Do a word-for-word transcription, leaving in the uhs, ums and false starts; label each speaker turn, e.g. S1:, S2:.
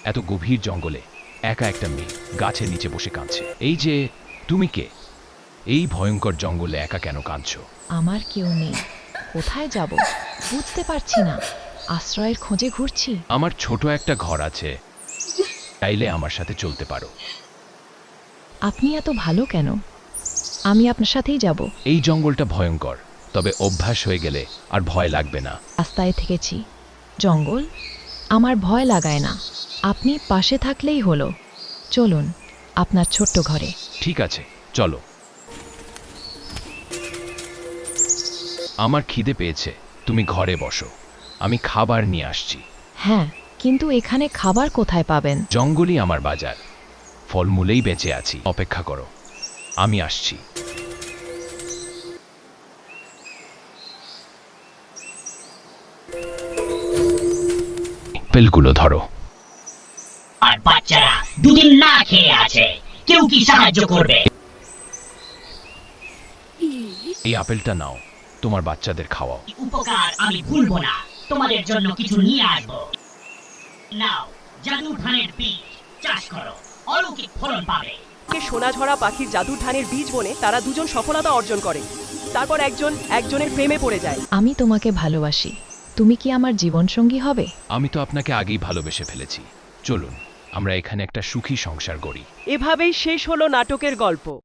S1: এত গভীর জঙ্গলে একা একটা মেয়ে গাছের নিচে বসে কাঁদছে। এই যে তুমি কে? এই ভয়ঙ্কর জঙ্গলে একা কেন কাঁদছো?
S2: আমার কেউ নেই, কোথায় যাব বুঝতে পারছি না, আশ্রয়ের খোঁজে ঘুরছি।
S1: আমার ছোট একটা ঘর আছে, চাইলে আমার সাথে চলতে পারো।
S2: আপনি এত ভালো কেন? আমি আপনার সাথেই যাব।
S1: এই জঙ্গলটা ভয়ঙ্কর, তবে অভ্যাস হয়ে গেলে আর ভয় লাগবে না।
S2: রাস্তায় থেকেছি, জঙ্গল আমার ভয় লাগায় না, আপনি পাশে থাকলেই হলো। চলুন আপনার ছোট্ট ঘরে।
S1: ঠিক আছে, চলো। আমার খিদে পেয়েছে, তুমি ঘরে বসো, আমি খাবার নিয়ে আসছি।
S2: হ্যাঁ, কিন্তু এখানে খাবার কোথায় পাবেন?
S1: জঙ্গলই আমার বাজার, ফলমূলেই বেঁচে আছি। অপেক্ষা করো, আমি আসছি। আপেলগুলো ধরো।
S3: আর বাচ্চারা দুদিন না খেয়ে আছে, কেউ কি সাহায্য করবে?
S1: এই আপেলটা নাও, তোমার বাচ্চাদের খাওয়াও।
S3: উপকার আমি ভুলবো না, তোমাদের জন্য কিছু নিয়ে আসবো। নাও, জাদু ধানের বীজ চাষ করো, অলৌকিক ফলন পাবে।
S4: কে সোনাঝরা পাখির জাদুর ধানের বীজ বনে তারা দুজন সফলতা অর্জন করে। তারপর একজন একজনের প্রেমে পড়ে যায়।
S2: আমি তোমাকে ভালোবাসি, তুমি কি আমার জীবনসঙ্গী হবে?
S1: আমি তো আপনাকে আগেই ভালোবেসে ফেলেছি। চলুন আমরা এখানে একটা সুখী সংসার গড়ি।
S4: এভাবেই শেষ হলো নাটকের গল্প।